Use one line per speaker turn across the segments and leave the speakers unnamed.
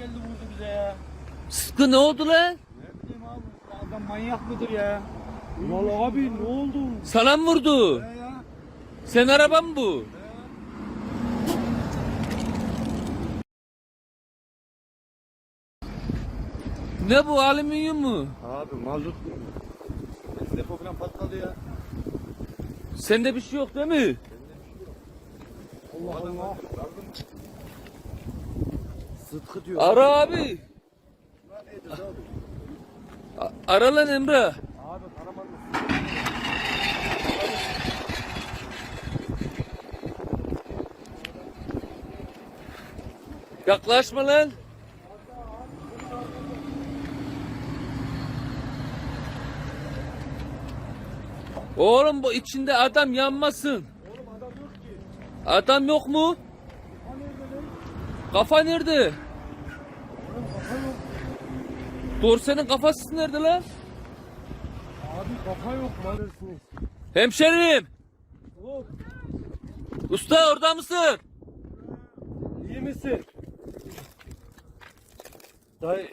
geldi vurdu bize ya.
Sıtkı ne oldu lan?
Ne bileyim abi. Bu adam manyak mıdır ya? Vallahi abi ne oldu?
Sana mı vurdu?
Ya.
Sen araban mı bu? Ne bu, alüminyum mu?
Abi mazot. Depo falan patladı ya.
Sende bir şey yok değil mi?
Allah Allah. Sıtkı diyor.
Ara abi. Ara lan Emre.
Abi aramadı.
Yaklaşma lan. Oğlum bu içinde adam yanmasın.
Oğlum adam yok ki.
Adam yok mu?
Kafa nerede lan?
Kafa nerede?
Oğlum kafa yok.
Dorsenin kafası nerede lan?
Abi kafa yok maalesef.
Hemşerim.
Hop.
Usta orada mısın?
İyi misin? Dayı.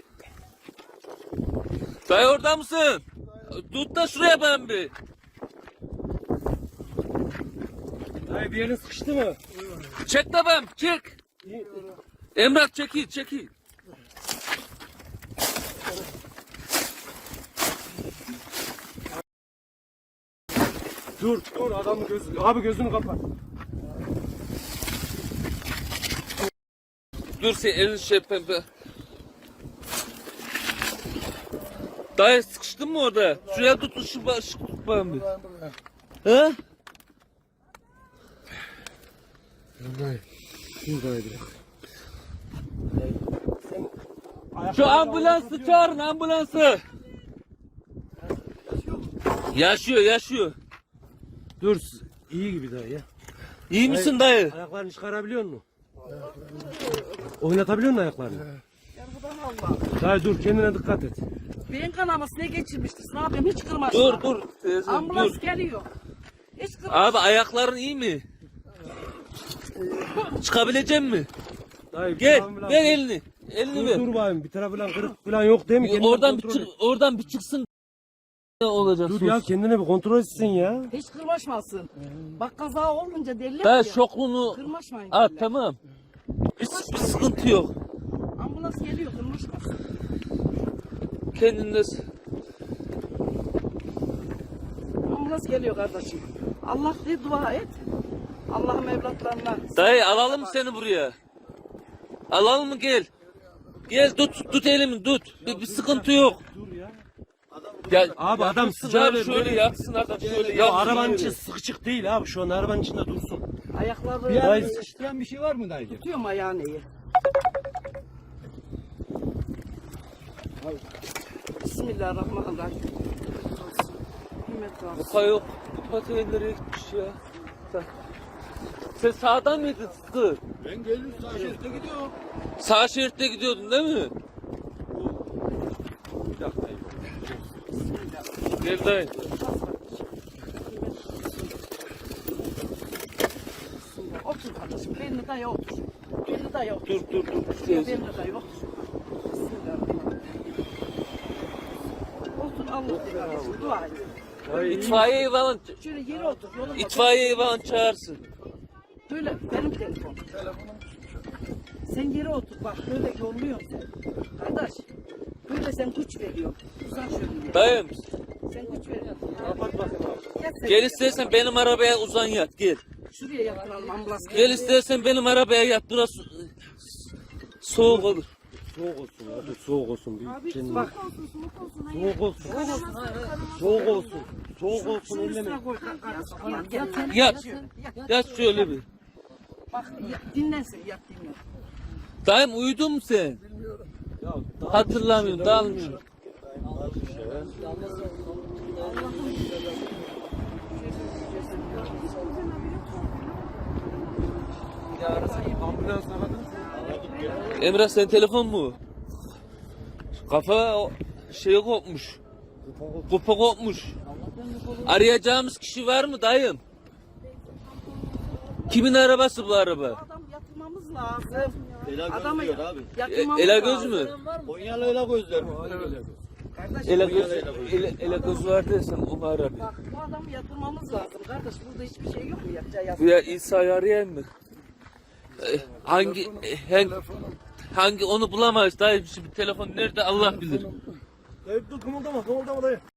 Dayı orada mısın? Tut da şuraya ben bir.
Dayı bir yerin sıkıştı mı?
Çek de ben, çek.
İyi.
Emrah çekil, çekil.
Dur adamın gözü. Abi gözünü kapat.
Dur sen elini şey pembe. Dayı sıkıştın mı orada? Şuraya tut, şu tut bana bir. He?
Dayı. Şuradaydı.
Şu ambulansı çağırın, ambulansı. Yaşıyor, yaşıyor.
Dur. İyi gibi dayı ya.
İyi misin dayı?
Ayaklarını çıkarabiliyor musun? Oynatabiliyor musun ayaklarını? Dayı dur kendine dikkat et.
Beyin kanaması ne geçirmiştir? Ne yapayım? Hiç kırmaz.
Dur teyze,
Ambulans
dur.
geliyor. Hiç kırmaz.
Abi ayakların iyi mi? Çıkabilecek mi?
Dayı
Gel,
bir tarafı
ver elini. Elini
Dur,
ver.
dur bayım bir tarafı falan kırık falan yok değil mi? Kendini
Oradan bir
kontrol
çık,
et.
oradan bir çıksın. Ne olacak?
Dur ya kendine bir kontrol etsin ya.
Hiç kırmaşmasın. Bak kaza olunca deliler
Ben
ya.
şoklunu
Kırmaşmayın.
at
derler.
tamam. Bir sıkıntı yok.
Ambulans geliyor kırmaşmasın.
Kendinde
Ambulans geliyor kardeşim. Allah diye dua et. Allah'ım evlatlarına.
dayı alalım mı seni buraya? Alalım mı gel? Gel tut elimi tut. Bir sıkıntı yok.
Dur ya.
Gel.
Abi adam
yatsın
sıcağı
abi,
ver,
şöyle
böyle.
yatsın adam şöyle
Ya
yatsın.
arabanın
öyle.
içi sıkışık değil abi şu an arabanın içinde dursun.
Ayakları
Bir ay sıkıştıran bir şey var mı dayı?
tutuyorum ayağını iyi. Bismillahirrahmanirrahim. Himmet olsun.
Kupa yok. Kupa nereye gitmiş ya? Sen sağdan mıydın Sıtkı?
Ben geldim sağ şeritte gidiyorum.
Sağ şeritte gidiyordun değil mi?
Bir dakika.
Gel dayı.
Otur kardeşim. Belini daya otur. Belini daya otur.
Dur.
Belini daya otur. Bismillahirrahmanirrahim. Otur Allah kardeşim. Dua et.
İtfaiyeyi falan,
Şöyle yere otur. Yolun
itfaiyeyi falan çağırsın.
Böyle benim telefonum. Sen yere otur bak böyle yolluyorsun sen. Kardeş böyle sen güç veriyorsun. Uzan şöyle.
Dayım
Sen güç veriyorsun.
Kapat bakayım abi.
Gel sen.
gel istersen benim arabaya uzan yat gel.
Şuraya yatıralım ambulans.
Gel istersen benim arabaya yat burası soğuk olur.
Soğuk olsun abi soğuk olsun. Bir kendine.
Bak.
Soğuk olsun. Soğuk olsun. Soğuk olsun elleme.
Üstüne koy kardeşim. Yat sen.
Yat. Yat şöyle bir.
Bak dinlensin yat dinlen.
Dayım uyudun mu sen?
Ya,
Hatırlamıyorum dalmıyorum.
Ambulans aradın.
Emrah sen telefon mu? Kafa şey kopmuş. Kupa kopmuş. Arayacağımız kişi var mı dayım? Kimin arabası bu araba?
Adam yatırmamız lazım.
Ela göz
Adamı
diyor abi.
yatırmamız
Ela göz
lazım.
mü?
Konyalı ela gözler mi?
Kardeş,
Ela göz, ela göz var dersen onu ara bir.
bak bu adamı yatırmamız lazım. Kardeş burada hiçbir şey yok mu yapacağı
Bu ya İsa'yı arayan mı? Hangi hangi onu bulamayız dayı, şimdi telefon nerede Allah bilir.
Dayı dur kımıldama dayı.